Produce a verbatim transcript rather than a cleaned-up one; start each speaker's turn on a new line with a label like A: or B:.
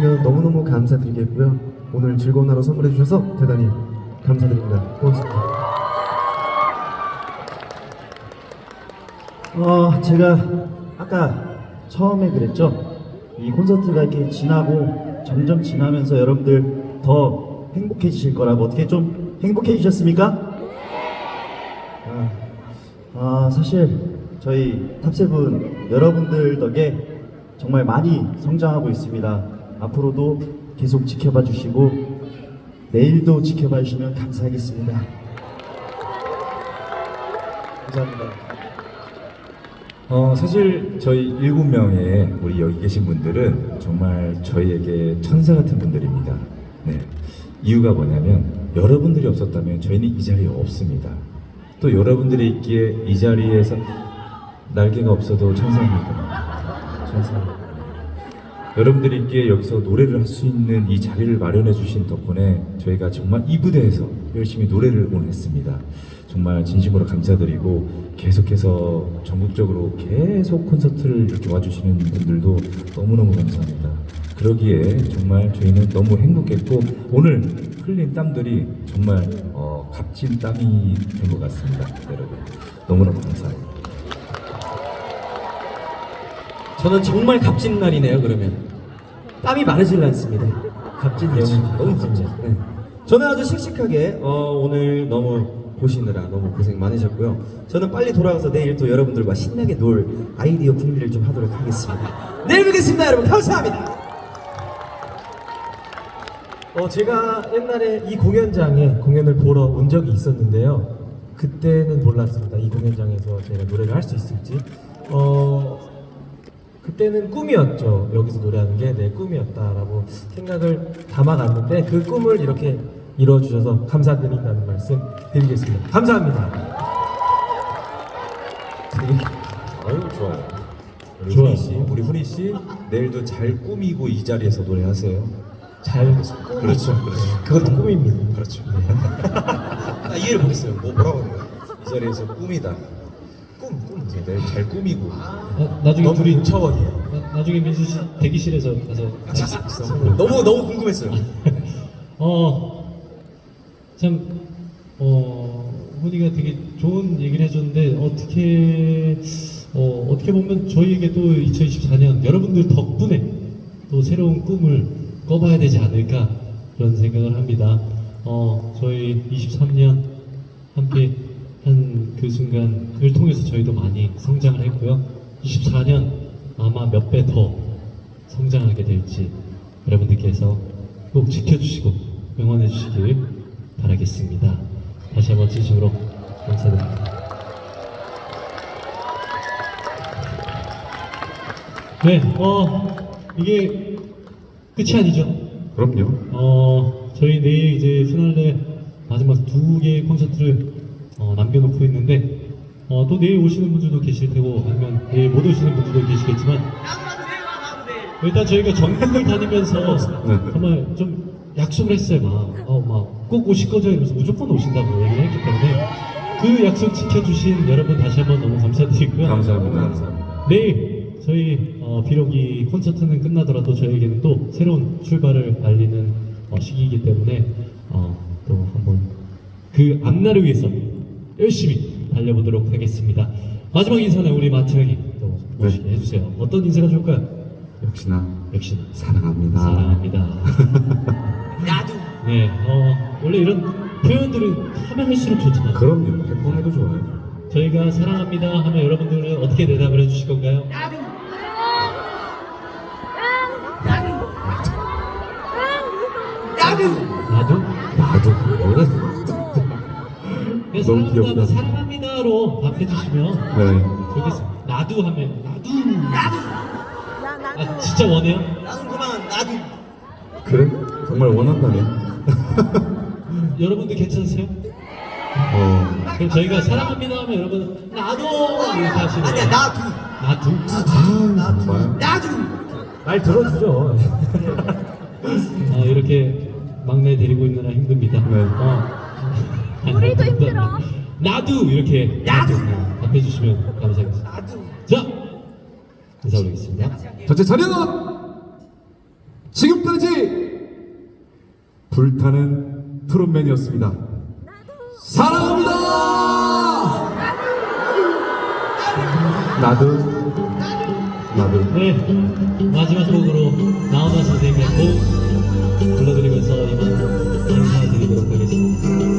A: 주시면 너무너무 감사드리겠고요. 오늘 즐거운 하루 선물해 주셔서 대단히 감사드립니다. 고맙습니다.
B: 어, 제가 아까 처음에 그랬죠. 이 콘서트가 이렇게 지나고 점점 지나면서 여러분들 더 행복해지실 거라고. 어떻게 좀 행복해지셨습니까? 아, 아, 사실 저희 탑세븐 여러분들 덕에 정말 많이 성장하고 있습니다. 앞으로도 계속 지켜봐 주시고 내일도 지켜봐 주시면 감사하겠습니다. 감사합니다.
C: 어, 사실 저희 일곱 명의 우리 여기 계신 분들은 정말 저희에게 천사 같은 분들입니다. 네. 이유가 뭐냐면 여러분들이 없었다면 저희는 이 자리에 없습니다. 또 여러분들이 있기에 이 자리에서 날개가 없어도 천사입니다. 천사입니다. 여러분들이 있기에 여기서 노래를 할 수 있는 이 자리를 마련해 주신 덕분에 저희가 정말 이 무대에서 열심히 노래를 오늘 했습니다. 정말 진심으로 감사드리고 계속해서 전국적으로 계속 콘서트를 이렇게 와주시는 분들도 너무너무 감사합니다. 그러기에 정말 저희는 너무 행복했고 오늘 흘린 땀들이 정말 어, 값진 땀이 된 것 같습니다. 여러분 너무너무 감사합니다.
D: 저는 정말 값진 날이네요. 그러면 땀이 마르질 않습니다. 값진 내용이 너무 값진. 네. 저는 아주 씩씩하게 어, 오늘 너무 보시느라 너무 고생 많으셨고요. 저는 빨리 돌아가서 내일 또 여러분들과 신나게 놀 아이디어 궁리를 좀 하도록 하겠습니다. 내일 뵙겠습니다, 여러분. 감사합니다.
E: 어, 제가 옛날에 이 공연장에 공연을 보러 온 적이 있었는데요. 그때는 몰랐습니다. 이 공연장에서 제가 노래를 할 수 있을지. 어, 그때는 꿈이었죠. 여기서 노래하는 게 내 꿈이었다라고 생각을 담아갔는데 그 꿈을 이렇게 이루어주셔서 감사드린다는 말씀 드리겠습니다. 감사합니다.
C: 아유 좋아요. 우리
E: 좋아요.
C: 훈이 씨, 우리 훈이 씨 내일도 잘 꾸미고 이 자리에서 노래하세요.
E: 잘
C: 그렇죠, 그렇죠.
E: 그것도 꿈입니다.
C: 그렇죠. 나 이해를 못했어요. 뭐 뭐라고 하는 거야? 이 자리에서 꿈이다. 꿈, 꿈. 내일 잘 꾸미고.
F: 나, 나중에
C: 너무
F: 둘이
C: 차원이에요.
F: 나, 나중에 민수 씨 대기실에서 가서
C: 너무 너무 궁금했어요.
F: 어참 어, 훈이가 되게 좋은 얘기를 해줬는데 어떻게 어, 어떻게 보면 저희에게도 이천이십사 년 여러분들 덕분에 또 새로운 꿈을 꿔봐야 되지 않을까 그런 생각을 합니다. 어, 저희 이십삼 년 함께 한 그 순간을 통해서 저희도 많이 성장을 했고요. 이십사 년 아마 몇 배 더 성장하게 될지 여러분들께서 꼭 지켜주시고 응원해 주시길 바라겠습니다. 다시 한번 진심으로 감사드립니다. 네, 어, 이게 끝이 아니죠.
C: 그럼요.
F: 어, 저희 내일 이제 피날레 마지막 두 개의 콘서트를 어, 남겨놓고 있는데 어, 또 내일 오시는 분들도 계실 테고 아니면 내일 못 오시는 분들도 계시겠지만 일단 저희가 전국을 다니면서 정말 좀 약속을 했어요. 막, 어, 막 꼭 오실 거죠? 이러면서 무조건 오신다고 얘기를 했기 때문에 그 약속 지켜주신 여러분 다시 한번 너무 감사드리고요.
C: 감사합니다. 감사합니다.
F: 내일 저희 어, 비록 이 콘서트는 끝나더라도 저희에게는 또 새로운 출발을 알리는 어, 시기이기 때문에 어, 또 한번 그 앞날을 위해서 열심히 달려보도록 하겠습니다. 마지막 인사는 우리 마트 형이 또 멋있게
C: 네.
F: 해주세요. 어떤 인사가 좋을까요?
C: 역시나
F: 역시
C: 사랑합니다.
F: 사랑합니다.
D: 나도.
F: 네, 어, 원래 이런 표현들은 하면 할수록 좋잖아요.
C: 그럼요. 백 번 해도 좋아요.
F: 저희가 사랑합니다 하면 여러분들은 어떻게 대답을 해주실 건가요?
D: 나도. 나도.
F: 나도?
C: 나도 뭐라
F: 네,
C: 너무
F: 사랑합니다
C: 귀엽다.
F: 하면 사랑합니다로 답해주시면
C: 네.
F: 좋겠습니다. 나도 하면 나도.
D: 나도.
F: 아 진짜 원해요?
D: 나도 그만. 나도.
C: 그래? 정말 원한다면.
F: 여러분들 괜찮으세요?
C: 어.
F: 그럼 저희가 사랑합니다 하면 여러분 나도 이렇게 하시는
D: 아니야,
F: 거예요.
D: 나도.
F: 나도?
C: 아, 정말.
D: 나도.
E: 말 들어주죠.
F: 어, 이렇게 막내 데리고 있느라 힘듭니다.
C: 네.
F: 어. 우리도 힘들어. 나도 이렇게
D: 나도.
F: 답해주시면 감사하겠습니다.
D: 나도.
F: 자 인사 올리겠습니다.
C: 전체 차렷!
G: 지금까지 불타는 트롯맨이었습니다. 사랑합니다.
A: 나도 나도
F: 네, 마지막 곡으로 나훈아 선생님의 곡 불러드리면서 이만 인사드리도록 하겠습니다.